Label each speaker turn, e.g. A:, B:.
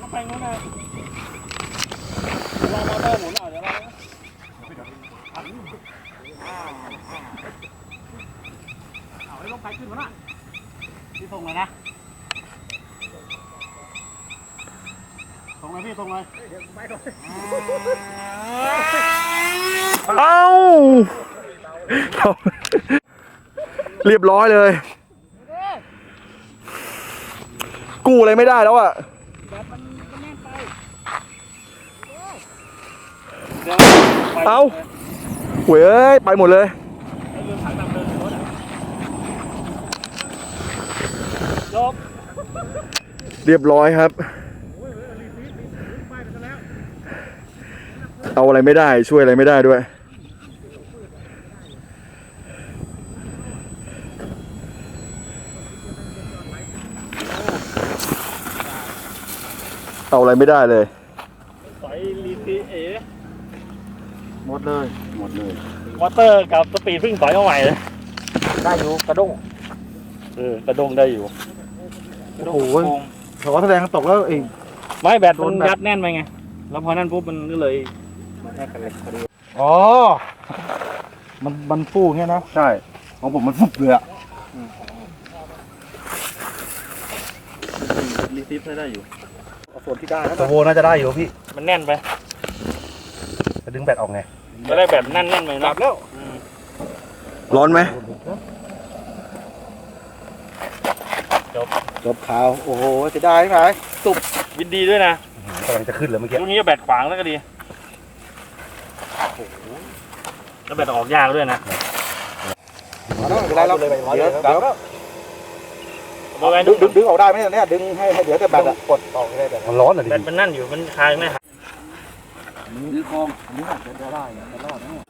A: ไปนู้นนะลองมาเติมหมุนเอาเดี๋ยวเอาให้ลงไปขึ้นมาหน่อยพี่ส่งเลยนะส่งเลยพี่ส่งเลย
B: เอ้าเรียบร้อยเลยกู้อะไรไม่ได้แล้วอ่ะเอ้าเว้ยไปหมดเลยเรียบร้อยครับเอาอะไรไม่ได้ช่วยอะไรไม่ได้ด้วยเอาอะไรไม่ได้เลย
A: สายลีซีเอ
B: หมดเลย
A: มอเตอร์กับสปีดเพิ่งถอยมาใหม่เลย
B: ได้อยู่กระด้ง
A: กระดงได้อยู่
B: โอ้โหเขาแสดงตกแล้วเอง
A: ไม่แบตมันยัดแน่นไปไงแล้วพอนั่นปุ๊บมันก็เลยแน่กันเลยพอดี
B: อ๋อมันฟูเงี้ยนะใช่ของผมมันฟุบเลยอะ
A: รีซิฟได้อยู่
B: ส่วนที่ได้ตัวโวน่าจะได้อยู่พี่
A: มันแน่นไป
B: จะดึงแบตออกไง
A: จะได้แบบแน่นๆไปนะแล้ว
B: ร้อนไหมจบข่าวโอ้โหจะได้ไหม
A: ตุบยินดีด้วยนะ
B: กำลังจะขึ้นเลยเมื่อกี้
A: ลูกนี้แบตขวางแล้วก็ดีแล้วแบตออกยากด้วยนะ
B: ไม่เป็นไรเราเดี๋ยวดึงออกได้ไหมเนี่ยดึงให้เดี๋ยวแต่แบตกดออกได้แบบมันร้อนอ่ะดิ
A: แบตมันนั่นอยู่มันคายไม่หาย
B: นี่คลองอันนี้จะได้จะรอดนะ